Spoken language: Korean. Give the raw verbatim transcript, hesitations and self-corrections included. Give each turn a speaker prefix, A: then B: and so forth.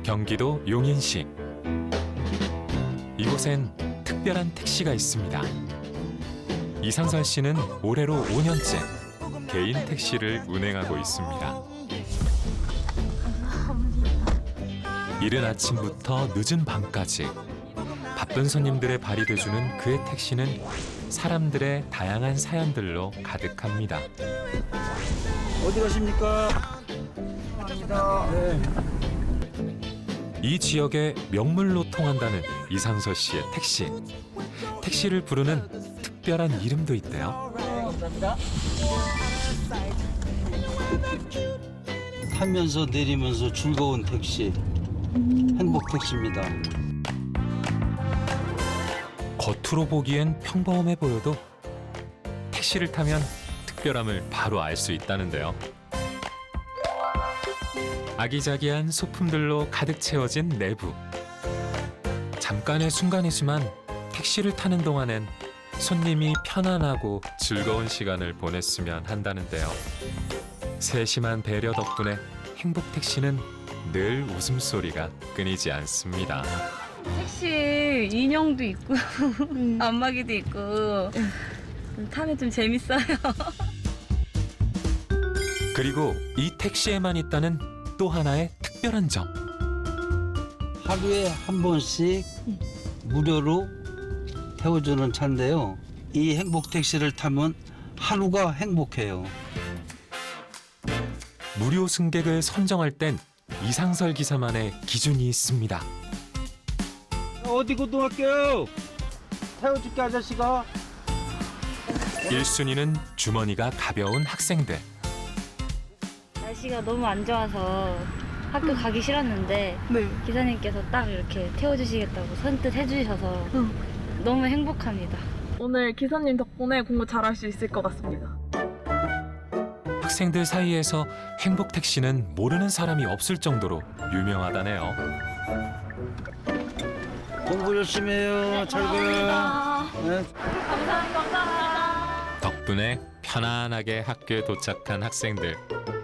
A: 경기도 용인시. 이곳엔 특별한 택시가 있습니다. 이상설 씨는 올해로 오 년째 개인 택시를 운행하고 있습니다. 이른 아침부터 늦은 밤까지 바쁜 손님들의 발이 돼주는 그의 택시는 사람들의 다양한 사연들로 가득합니다.
B: 어디 가십니까? 감사합니다. 네.
A: 이 지역의 명물로 통한다는 이상서 씨의 택시. 택시를 부르는 특별한 이름도 있대요.
B: 감사합니다. 타면서 내리면서 즐거운 택시, 행복 택시입니다.
A: 겉으로 보기엔 평범해 보여도 택시를 타면 특별함을 바로 알 수 있다는데요. 아기자기한 소품들로 가득 채워진 내부. 잠깐의 순간이지만 택시를 타는 동안엔 손님이 편안하고 즐거운 시간을 보냈으면 한다는데요. 세심한 배려 덕분에 행복 택시는 늘 웃음소리가 끊이지 않습니다.
C: 택시 인형도 있고 안마기도 있고 타면 좀 재밌어요.
A: 그리고 이 택시에만 있다는 또 하나의 특별한 점.
B: 하루에 한 번씩 무료로 태워주는 차인데요. 이 행복 택시를 타면 하루가 행복해요.
A: 무료 승객을 선정할 땐 이상설 기사만의 기준이 있습니다.
B: 어디 고등학교? 태워줄게 아저씨가.
A: 일 순위는 주머니가 가벼운 학생들.
C: 날씨가 너무 안 좋아서 학교 가기 싫었는데
D: 네.
C: 기사님께서 딱 이렇게 태워주시겠다고 선뜻 해주셔서
D: 응.
C: 너무 행복합니다.
D: 오늘 기사님 덕분에 공부 잘할 수 있을 것 같습니다.
A: 학생들 사이에서 행복 택시는 모르는 사람이 없을 정도로 유명하다네요.
B: 공부 열심히 해요. 잘 가. 네.
A: 덕분에 편안하게 학교에 도착한 학생들.